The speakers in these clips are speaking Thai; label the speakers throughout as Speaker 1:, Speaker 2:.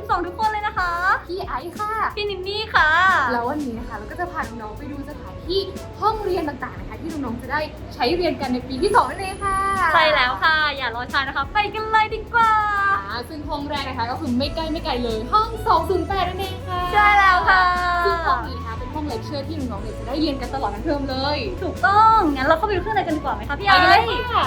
Speaker 1: สองทุกคนเลยนะคะ
Speaker 2: พี่ไอซ์ค่ะ
Speaker 1: พี่นินนี่ค่ะ
Speaker 2: แล้ววันนี้นะคะเราก็จะพาน้องๆไปดูสถานที่ห้องเรียนต่างๆนะคะที่น้องๆจะได้ใช้เรียนกันในปีที่2นั่นเองค่ะ
Speaker 1: ใช่แล้วค่ะอย่ารอช้านะคะไปกันเลยดีกว่า
Speaker 2: ซึ่งห้องแรกนะคะก็คือไม่ใกล้เลยห้อง208นั่นเองค่ะ
Speaker 1: ใช่แล้วค่ะ
Speaker 2: ซึ่งห้องนี้นะคะเป็นห้องเลคเชอร์ที่น้องๆจะได้เรียนกันตลอดทั้งเทอมเลย
Speaker 1: ถูกต้องงั้นเราเข้าไปดูข้างในกันดีกว่าไหมคะพี่ไอซ์
Speaker 2: ไปเลยค่ะ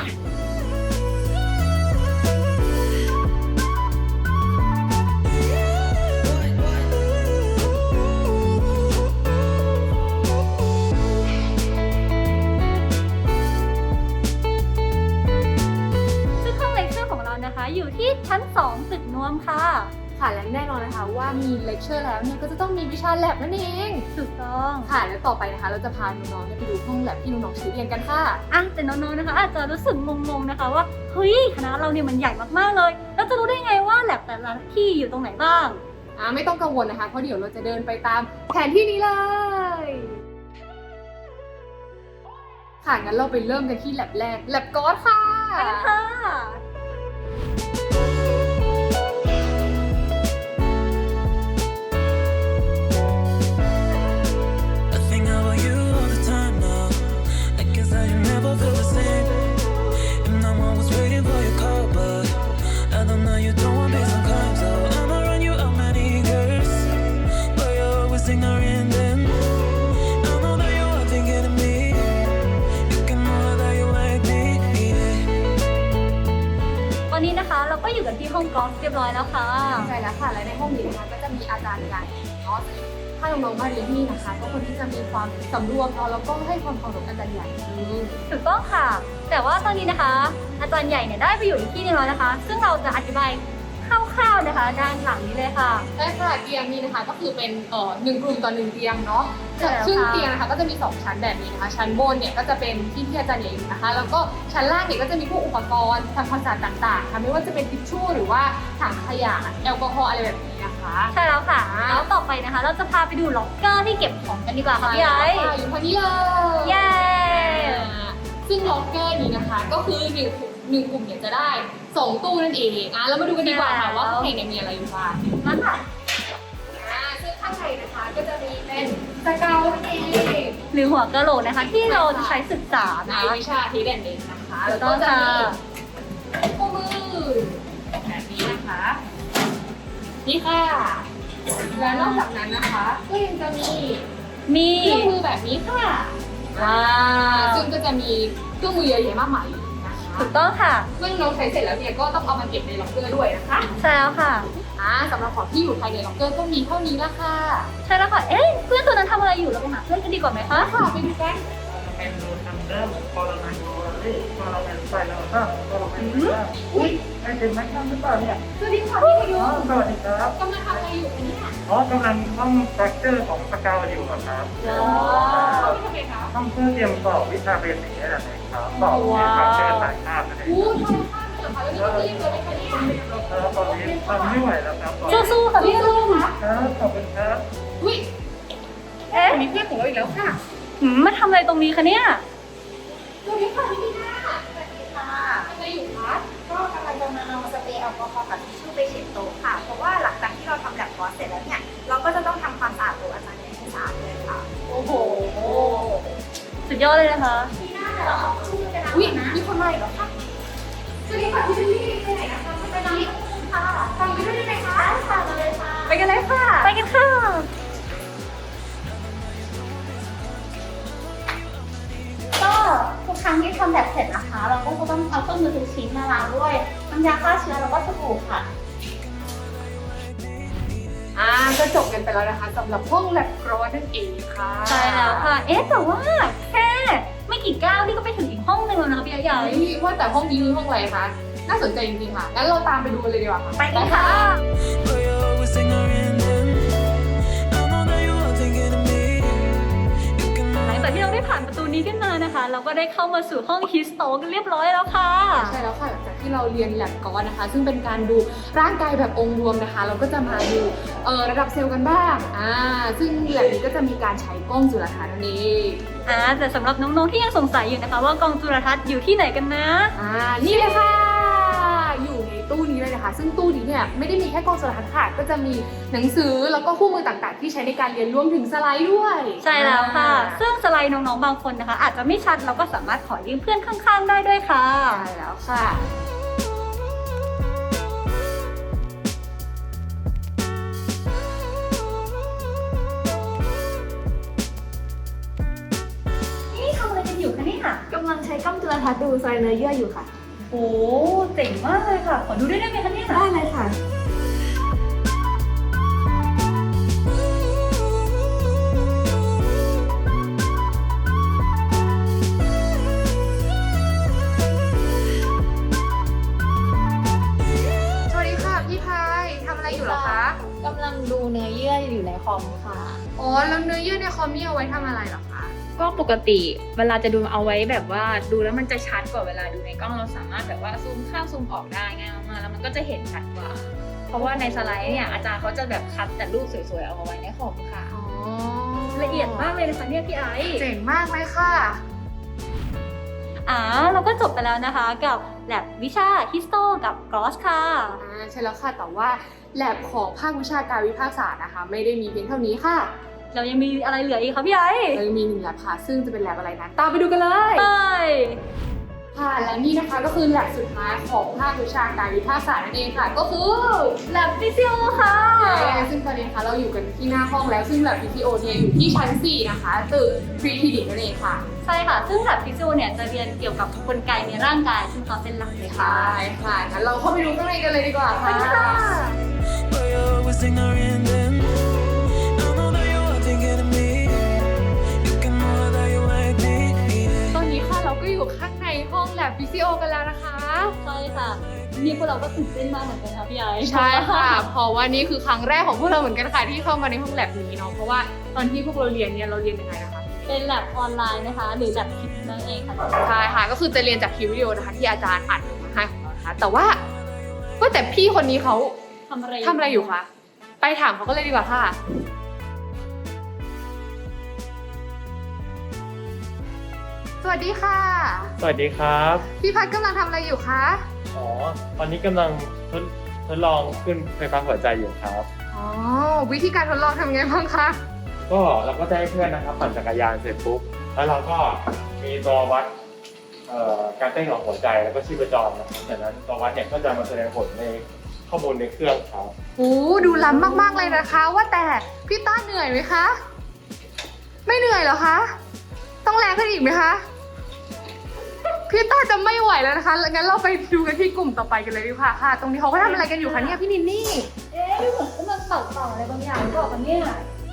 Speaker 1: อยู่ที่ชั้น2ตึกนวมค่ะ
Speaker 2: และแน่นอนนะคะว่ามีเลคเชอร์แล้วเนี่ยก็จะต้องมีวิชาแลบนั่นเอง
Speaker 1: ถูกต้อง
Speaker 2: ค่ะและต่อไปนะคะเราจะพาน้องๆไปดูห้องแลบที่น้องๆใช้เรียนกันค่ะ
Speaker 1: แต่น้องๆนะคะอาจจะรู้สึกงงๆนะคะว่าเฮ้ยคณะเราเนี่ยมันใหญ่มากๆเลยแล้วจะรู้ได้ไงว่าแลบแต่ละที่อยู่ตรงไหนบ้าง
Speaker 2: ไม่ต้องกังวลนะคะเพราะเดี๋ยวเราจะเดินไปตามแผนที่นี้เลยค่ะงั้นเราไปเริ่มกันที่แลบแรกแลบก๊อซค่ะ
Speaker 1: ไปกันค่ะเราก็อยู่กันที่ห้องกอล์ฟเรียบร้อยแล้วค่ะ
Speaker 2: ใช่แล้วค่ะและในห้องนี้นะคะก็จะมีอาจารย์ใหญ่เนาะถ้าน้องๆมาเรียนที่นี่นะคะก็ควรที่จะมีความสำรวมเนาะแล้วก็ให้ความเคารพอาจารย์ใหญ่
Speaker 1: ถูกต้องค่ะแต่ว่าตอนนี้นะคะอาจารย์ใหญ่เนี่ยได้ไปอยู่อีกที่นึงแล้วนะคะซึ่งเราจะอธิบายคร่าวๆนะคะด้านหลังนี้เลยค่ะ
Speaker 2: ใช่ค่ะเตียงนี้นะคะก็คือเป็น1 กลุ่มต่อ1เตียงเนาะซึ่งเตียงนะคะก็จะมี2ชั้นแบบนี้นะคะชั้นบนเนี่ยก็จะเป็นที่อาจารย์ใหญ่อยู่นะคะแล้วก็ชั้นล่างเนี่ยก็จะมีพวกอุปกรณ์ทำความสะอาดต่างๆค่ะไม่ว่าจะเป็นทิชชู่หรือว่าถังขยะแอลกอฮอล์อะไรแบบนี้นะคะ
Speaker 1: ใช่แล้วค่ะแล้วต่อไปนะคะเราจะพาไปดูล็อกเกอร์ที่เก็บของกันดีกว่าค่ะพี่ไอซ์
Speaker 2: อยู่ทางนี้เลย
Speaker 1: เย้
Speaker 2: ซึ่งล็อกเกอร์นี้นะคะก็คือ1 กลุ่มเนี่ยจะได้2 ตู้นั่นเองเรามาดูกันดีกว่าค่ะว่าข้างในเนี่ยมีอะไรอยู่บ้าง
Speaker 1: มาค่ะ
Speaker 2: ซึ่งข้างในนะคะก็จะมีเป็นสเกลนั่นเอง
Speaker 1: หรือหัวกะโหลกนะคะที่เราจะใช้ศึกษา
Speaker 2: ในวิชาที่เด่นเองนะคะ
Speaker 1: แล้วก็จะ
Speaker 2: มีคู่มือแบบนี้นะคะนี่ค่ะและนอกจากนั้นนะคะก็ยังจะมีเครื่องมือแบบนี้ค่ะซึ่งก็จะมีเครื่องมือเยอะแยะมากมาย
Speaker 1: ถูกต้องค่ะ
Speaker 2: ซึ่งเราใช้เสร็จแล้วเนี่ยก็ต้องเอามาเก็บในล็อกเกอร์ด้วยนะคะ
Speaker 1: ใช่แล้วค่ะ
Speaker 2: สำหรับของที่อยู่ภายในล็อกเกอร์ก็มีเท่านี้ละค่ะ
Speaker 1: ใช่แล้วค่ะเพื่อนตัวนั้นทำอะไรอยู่เราไปหาเพื่อนกันดีกว่าไหมคะ
Speaker 2: ค่ะไปดูกัน
Speaker 3: เป็นรูทำเริ่มพอเรามาดูพอเรามาใส่แล้วก็พอเรามาดูว่าอุ้ยไม่เป็นไม่ทำหรือเปล่าเนี่ย
Speaker 2: สวัสดีค่ะพี่พยุง
Speaker 3: สวัสดีครับ
Speaker 2: กำลังทำอะไรอยู่เนี่ย
Speaker 3: กำลังท่องสตรัคเจอร์ของสกาวอยู่ครับท่องเพื่อเตรียมสอบวิชาเบสิกนี่แหละครับสอบสตรัคเจอร์สายภาพนั่นเอง
Speaker 2: ทำภาพเหรอคะแล้วนี่ก็รีบเลยไหมคะเนี่ย
Speaker 3: ตอนนี้ทำไม่ไหวแล้วครับ
Speaker 1: สู้ๆค่ะพี่ลุง
Speaker 3: ครับขอบคุณครับ
Speaker 2: อุ้ยมีเพื่อนของเราอีกแล้วค่ะ
Speaker 1: มาทำอะไรตรงนี้คะเนี่ย
Speaker 2: สวัสดีค่ะพี่ดีน่าสวัสดีค่ะทำอะไรอยู่คะ
Speaker 4: ก็กำลังจะมาเอาสเปรย์แอลกอฮอล์กับทิชชู่ไปเช็ดโต๊ะค่ะเพราะว่าหลังจากที่เราทำแลบคอร์สเสร็จแล้วเนี่ยเราก็จะต้องทำความสะอาดโต๊ะอาจารย์ให้สะอาดเลยค่ะ
Speaker 2: โอ้โห
Speaker 1: สุดยอดเลยนะคะ
Speaker 4: พี่น่าเดี๋ยวเราเอาชื่อกันนะ
Speaker 2: มีคนมาอีกแล้วค่ะสวัสดีค่ะพี่ดีไปไหนนะคะไปไหน
Speaker 4: ค่ะฟังไปด้วยได้ไหมคะค่ะเลยค่ะ
Speaker 2: ไปกันเลยค่ะ
Speaker 1: ไปกันค่ะ
Speaker 4: ก็ทุกครั้งที่ทำแบบเสร็จนะคะเราก็จะต้องเอาเครื่องมือทุกชิ้นมาล้างด้วยน้ำยาฆ่าเชื้อแล้วก็สบู่ค่ะ
Speaker 2: ก็จบกันไปแล้วนะคะสำหรับห้องแลบกรอนั่นเองค่ะ
Speaker 1: ใช่แล้วค่ะแต่ว่าแค่ไม่กี่ก้าวนี่ก็ไปถึงอีกห้องนึงแล้วนะคะพี่ใหญ่
Speaker 2: ว่าแต่ห้องนี้คือห้องอะไรคะน่าสนใจจริงๆค่ะงั้นเราตามไปดูกันเลยดีกว่าค่ะ
Speaker 1: ไปกันค่ะแต่ที่เราได้ผ่านประตูนี้ขึ้นมานะคะเราก็ได้เข้ามาสู่ห้องฮิสโตกันเรียบร้อยแล้วค่ะ
Speaker 2: ใช่แล้วค่ะหลังจากที่เราเรียนแลบกอนนะคะซึ่งเป็นการดูร่างกายแบบองค์รวมนะคะเราก็จะมาดูระดับเซลล์กันบ้างซึ่งแลบนี้ก็จะมีการใช้กล้องจุลทรรศน์นั่นเอง
Speaker 1: แต่สำหรับน้องๆที่ยังสงสัยอยู่นะคะว่ากล้องจุลทรรศน์อยู่ที่ไหนกันนะ
Speaker 2: นี่เลยค่ะอยู่ในตตู้นี้เลยนะคะ ซึ่งตู้นี้เนี่ยไม่ได้มีแค่กล้องโทรทัศน์ค่ะก็จะมีหนังสือแล้วก็คู่มือต่างๆ ที่ใช้ในการเรียนรวมถึงสไลด์ด้วย
Speaker 1: ใช่แล้วค่ะ ซึ่งสไลด์น้องๆบางคนนะคะ อาจจะไม่ชัดเราก็สามารถขอยืมเพื่อนข้างๆได้ด้วยค่ะ
Speaker 2: ใช่แล้วค่ะ
Speaker 1: นี่ทำอะไรกันอยู่คะเนี่ย
Speaker 5: กำลังใช้กล้องจุลทรรศน์ดูไซเนอร์เยื่ออยู่ค่ะ
Speaker 1: โอ้เจ๋งมากเลยค่ะ ขอดูได้ไหมคะเนี่ย
Speaker 5: ได้เลยค่ะ
Speaker 2: สวัสดีค่ะพี่พายทำอะไรอยู่เหรอคะ
Speaker 5: กำลังดูเนื้อเยื่ออยู่ในคอมค่ะ
Speaker 2: อ๋อแล้วเนื้อเยื่อในคอมนี่เอาไว้ทำอะไรเหรอคะ
Speaker 5: ก็ปกติเวลาจะดูเอาไว้แบบว่าดูแล้วมันจะชัดกว่าเวลาดูในกล้องเราสามารถแบบว่าซูมเข้าซูมออกได้ง่ายมากๆแล้วมันก็จะเห็นชัดกว่า เพราะว่าในสไลด์เนี่ยอาจารย์เขาจะแบบคัดแต่รูปสวยๆเอามาไว้ในคอมค่ะ
Speaker 2: อ๋อ
Speaker 1: ละเอียดมากเลยนะคะเนี่ยพี่ไอซ์
Speaker 2: เจ๋งมากเลยค่ะ
Speaker 1: เราก็จบไปแล้วนะคะกับแลบวิชาฮิสโตกับกรอสค่ะ
Speaker 2: ใช่แล้วค่ะแต่ว่าแลบของภาควิชาการวิภาคศาสตร์นะคะ ไม่ได้มีเพียงเท่านี้ค่ะ
Speaker 1: เรายังมีอะไรเหลืออีกคะพี่ไอซ์
Speaker 2: เรายังมี1แลบค่ะ ซึ่งจะเป็นแลบอะไรนั้นตามไปดูกันเลย
Speaker 1: ไป
Speaker 2: ค่ะและนี่นะคะก็คือแลบสุดท้ายของภาควิชาการวิภาคศาสตร์นั่นเองค่ะ ก็คือ
Speaker 1: แลบฟิสิโอค่ะ
Speaker 2: ซึ่งตอนนี้นะคะเราอยู่กันที่หน้าห้องแล้วซึ่งแลบ PTO เนี่ยอยู่ที่ชั้น 4 นะคะตึกพรีคลินิกนั่นเองค่ะ
Speaker 1: ใช่ค่ะ ซึ่งแลบฟิสิโอเนี่ยจะเรียนเกี่ยวกับกลไกในร่างกายซึ่งเขาเป็นหลักเลยค่ะ
Speaker 2: ใช่ค่ะงั้นเราเข้าไปดูข้างในกันเลยดีกว่าค่ะ
Speaker 6: But you're always ignoring them. I know that you are thinking of me. You can know that you like me.
Speaker 2: ตอนนี้ค่ะเราก็อยู่ข้างในห้องแลบ PCO กันแล้วนะคะ
Speaker 1: ใช่ค่ะ นี่พวกเราก็ตื่นเต้นมากเหมือนกันค่ะพี่ไอซ์
Speaker 2: ใช่ค่ะ เพราะว่านี่คือครั้งแรกของพวกเราเหมือนกันค่ะที่เข้ามาในห้องแลบนี้เนาะเพราะว่าตอนที่พวกเราเรียนเนี่ยเราเรียนยังไงนะคะ
Speaker 1: เป็นแลบออนไลน์นะคะ หรือแลบคลิปนั่นเองค่ะ
Speaker 2: ใช่ค่ะก็คือจะเรียนจากคลิปวิดีโอนะคะที่อาจารย์อัดมาให้ของเรานะคะแต่ว่าแต่พี่คนนี้เขา
Speaker 1: ทำอะไร
Speaker 2: ทำอะไรอยู่คะไปถามเขาก็เลยดีกว่าค่ะ สวัสดีค่ะ
Speaker 3: สวัสดีครับ
Speaker 2: พี่พัดกำลังทำอะไรอยู่คะ
Speaker 3: อ๋อ ตอนนี้กำลังทดลองขึ้นไฟฟ้าหัวใจอยู่ครับ
Speaker 2: อ๋อวิธีการทดลองทำไงบ้างคะ
Speaker 3: ก็เราก็จะให้เพื่อนนะครับปั่นจักรยานเสร็จปุ๊บ แล้วเราก็มีตัววัดการเต้นของหัวใจแล้วก็ชีพจรนะครับจากนั้นตัววัดเนี่ยก็จะมาแสดงผลในข้อมูลในเครื่องครับ
Speaker 2: โอ้ดูล้ำมากๆเลยนะคะ ว่าแต่พี่ต้าเหนื่อยไหมคะ ไม่เหนื่อยเหรอคะ ต้องแรงขึ้นอีกไหมคะ พี่ต้าจะไม่ไหวแล้วนะคะงั้นเราไปดูกันที่กลุ่มต่อไปกันเลยดีกว่าค่ะ ตรงนี้เขาก็ทำอะไรกันอยู่คะเนี่ยพี่นินนี่
Speaker 1: เอ๊ะเหมือนกำลังเป่าอะไรบางอย่างหรือเปล่าคะเนี่ย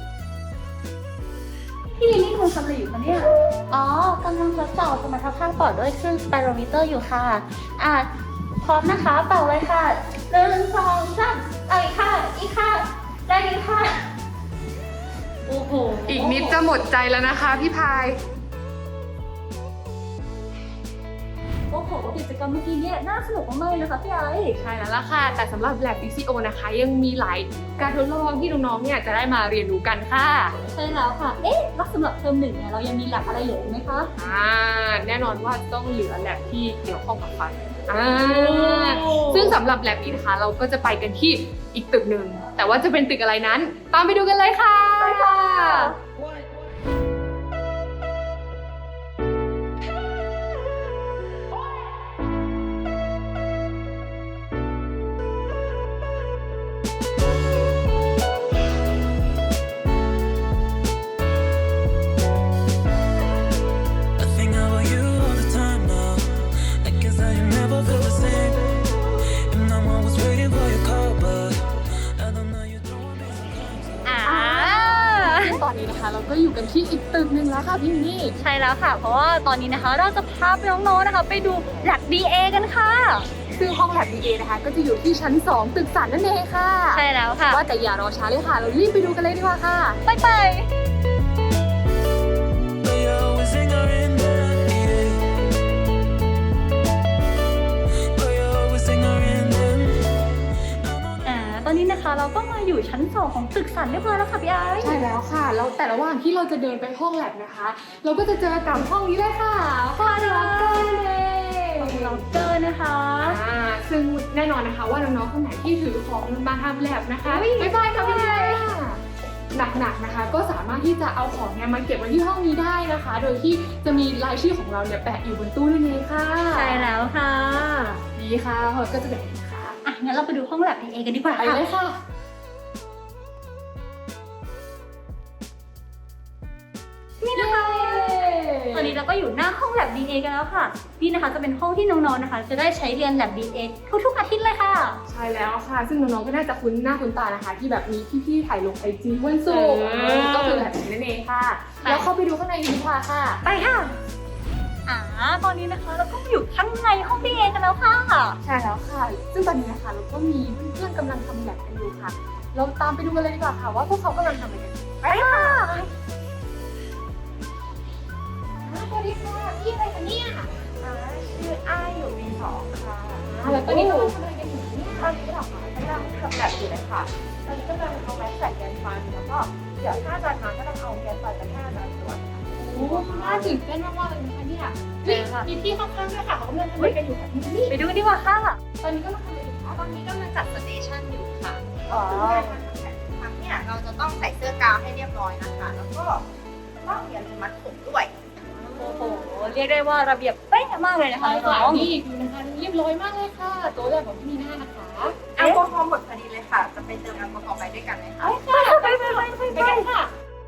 Speaker 1: พี่ลิลลี่กำลังทำอะไรอยู่คะเนี่ย
Speaker 5: อ๋อกำลังทดสอบสมรรถภาพปอดด้วยเครื่องสไปโรมิเตอร์อยู่ค่ะ พร้อมนะคะ เป่าเลยค่ะ1 2 3อีกค่ะ อีกค่ะได้อีกค่ะ
Speaker 1: โอ้โห
Speaker 2: อีกนิดจะหมดใจแล้วนะคะพี่พาย
Speaker 1: โอ้โหกิจกรรมเมื่อกี้เนี่ยน่าสนุกมากๆเลยนะคะพี่ไอซ์
Speaker 2: ใช่แล้วล่ะค่ะ แต่สำหรับ Lab PCO นะคะ ยังมีหลายการทดลองที่น้องๆ เนี่ยจะได้มาเรียนรู้กันค่ะ
Speaker 1: ใช่แล้วค่ะ เอ๊ะแล้วสำหรับเทอมหนึ่งเนี่ยเรายังมีแลบอะไรเหลืออีกไหมคะ
Speaker 2: แน่นอนว่าต้องเหลือ Lab ที่เกี่ยวข้องกับฟันซึ่งสำหรับ Lab นี้นะคะ เราก็จะไปกันที่อีกตึกหนึ่ง แต่ว่าจะเป็นตึกอะไรนั้น ตามไปดูกันเลยค่ะ
Speaker 1: ไปค่ะ
Speaker 6: I think about you all the time now. I guess that you never feel the same. And I'm always waiting for your call, but I don't know you don't want me to come.
Speaker 2: ตอนนี้นะคะเราก็อยู่กันที่อีกตึกหนึ่งแล้วค่ะพี่นี่
Speaker 1: ใช่แล้วค่ะ เพราะว่าตอนนี้นะคะเราจะพาไปน้องๆนะคะ ไปดูแลบ DA กันค่ะ
Speaker 2: ซึ่งห้อง Lab DA นะคะ ก็จะอยู่ที่ชั้น 2 ตึกสันนั่นเองค่ะ
Speaker 1: ใช่แล้วค่ะ
Speaker 2: ว่าแต่อย่ารอช้าเลยค่ะ เรารีบไปดูกันเลยดีกว่าค่ะ
Speaker 1: ไปไป
Speaker 6: But you're always ignoring them, yeah. But you're always ignoring them.
Speaker 1: ตอนนี้นะคะเราก็มาอยู่ชั้น 2 ของตึกสันเรียบร้อยแล้วค่ะพี่ไอซ์
Speaker 2: ใช่แล้วค่ะ แล้วแต่ระหว่างที่เราจะเดินไปห้องแลบนะคะ เราก็จะเจอกับห้องนี้เลยค่ะห้องล็อกเกอร์เลย
Speaker 1: ล็อกเกอร์นะคะ
Speaker 2: ซึ่งแน่นอนนะคะว่าน้องๆคนไหนที่ถือของมาทำแลบนะคะบ๊ายบายค่ะพี่หนักๆนะคะ ก็สามารถที่จะเอาของเนี่ยมาเก็บไว้ที่ห้องนี้ได้นะคะ โดยที่จะมีรายชื่อของเราเนี่ยแปะอยู่บนตู้นั่นเองค่ะ
Speaker 1: ใช่แล้วค่ะ
Speaker 2: ดีค่ะก็จะแบบนี้ค่ะ
Speaker 1: อ่ะงั้นเราไปดูห้องแลบเอกันดีกว่า
Speaker 2: ไป
Speaker 1: ค่ะ
Speaker 2: เลยค่ะ
Speaker 1: นี่นะคะตอนนี้เราก็อยู่หน้าห้องแลบ DNA กันแล้วค่ะนี่นะคะจะเป็นห้องที่น้องๆนะคะ จะได้ใช้เรียนแลบ DNA ทุกๆอาทิตย์เลยค่ะ
Speaker 2: ใช่แล้วค่ะ ซึ่งน้องๆก็น่าจะคุ้นหน้าคุ้นตานะคะ ที่แบบมีพี่ๆถ่ายลงไอจีวันศุกร์ก็คือแบบนี้นั่นเองค่ะ แล้วเข้าไปดูข้างในดีกว่าค่ะ
Speaker 1: ไปค่ะตอนนี้นะคะเราก็อยู่ข้างในห้อง DNA กันแล้วค่ะ
Speaker 2: ใช่แล้วค่ะ ซึ่งตอนนี้นะคะเราก็มีเพื่อนๆกำลังทำแลบกันอยู่ค่ะ เราตามไปดูกันเลยดีกว่าค่ะ ว่าพวกเขากำลังทำอะไรกันอยู่
Speaker 1: ไปค่ะ
Speaker 2: สวัสดีค่ะพี่อะไรคะเนี่ย
Speaker 4: ชื่ออ้ายอยู่ปี2ค่ะ
Speaker 2: แล้วตอนนี้กำลังทำอะไรกันอยู่เนี่ย
Speaker 4: ตอนนี้เหรอคะกำลังทำแบบอยู่เลยค่ะ ตอนนี้กำลังเอาแม็กใส่แกนฟันแล้วก็เดี๋ยวถ้าอาจารย์มาก็ต้องเอาแกนฟันไปให้อาจารย์ตรวจค่ะ
Speaker 2: โอ้น่าตื่นเต้นมากๆเลยนะคะเนี่ยมีพี่ข้างๆด้วยค่ะเขากำลังทำอะไรกันอยู่ค่ะพี่นี่
Speaker 1: ไปดูกันดีกว่าค่ะ
Speaker 2: ตอนนี้ก็มาทำอะไรอยู่คะ
Speaker 4: ตอนนี้กำลังจัดสเตชันอยู่ค่ะคือการทำแผนครั้งเนี่ยเราจะต้องใส่เสื้อกาวให้เรียบร้อยนะคะ แล้วก็ต้องอย่าลืมมัดผมด้วย
Speaker 1: โอ้โหเรียกได้ว่าระเบียบเป๊ะมากเลยนะคะ
Speaker 2: ค่ะ
Speaker 1: น้อง
Speaker 2: นี่ดูนะคะเรียบร้อยมากเลยค่ะโต๊ะแบบของพี่นีน่านะคะ
Speaker 4: แอลกอฮอล์หมดพอดีเลยค่ะ จะไปเติมแอลกอฮอล์ไปด้วยกันไหมคะ
Speaker 2: ไปกันค่ะ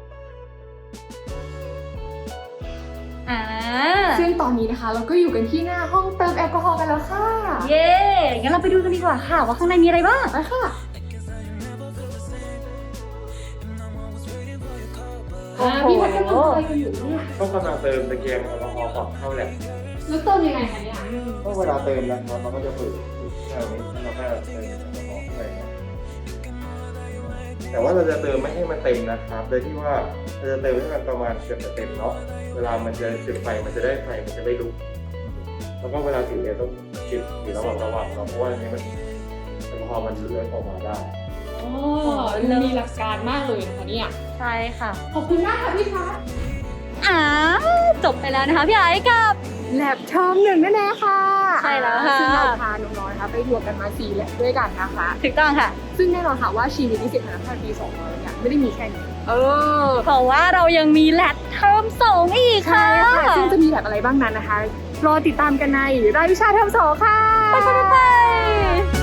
Speaker 2: ซึ่งตอนนี้นะคะเราก็อยู่กันที่หน้าห้องเติมแอลกอฮอล์กันแล้วค่ะ
Speaker 1: เย้งั้นเราไปดูกันดีกว่าค่ะ ว่าข้างในมีอะไรบ้าง
Speaker 2: ไปค่ะ พี่พัดกำลังทำอะไรกันอยู่เนี่ย
Speaker 3: ก็กำลังเติมตะเกียงแอลกอฮอล์ก่อนเข้าแลบ
Speaker 2: แล้วเติมยังไงคะเนี่ย
Speaker 3: ก็เวลาเติมนะครับเราก็จะฝึกแค่นี้แล้วเราก็เติมแอลกอฮอล์เข้าไปครับแต่ว่าเราจะเติมไม่ให้มันเต็มนะครับ โดยที่ว่าเราจะเติมให้มันประมาณเกือบจะเต็มเนาะ เวลามันจะจุดไฟมันจะได้ไฟมันจะไม่ลุก แล้วก็เวลาถือเนี่ยต้องจิบอยู่ระหว่างเนาะ เพราะว่าอันนี้มันแอลกอฮอล์มันเลื่อนออกมาได้
Speaker 2: อ๋อมีหลักการมากเลยนะคะเนี่ย
Speaker 1: ใช่ค่ะ
Speaker 2: ขอบคุณมากค่ะพี่พัด
Speaker 1: จบไปแล้วนะคะพี่ไอ้กับ
Speaker 2: แลบเทอม1นั่นเองค่ะ
Speaker 1: ใช่แล้วค่ะ
Speaker 2: ซึ่งเราพาน้องๆนะคะไปรวมกันมา4แลบด้วยกันนะคะ
Speaker 1: ถูกต้องค่ะ
Speaker 2: ซึ่งแน่นอนค่ะว่าชีวิตนิสิตคณะแพทย์ปี2เราเนี่ยไม่ได้มีแค่นี้
Speaker 1: เพราะว่าเรายังมีแลบเทอม2อีกค่ะ
Speaker 2: ซึ่งจะมีแลบอะไรบ้างนั้นนะคะ รอติดตามกันในรายวิชาเทอม2ค่ะ
Speaker 1: ไป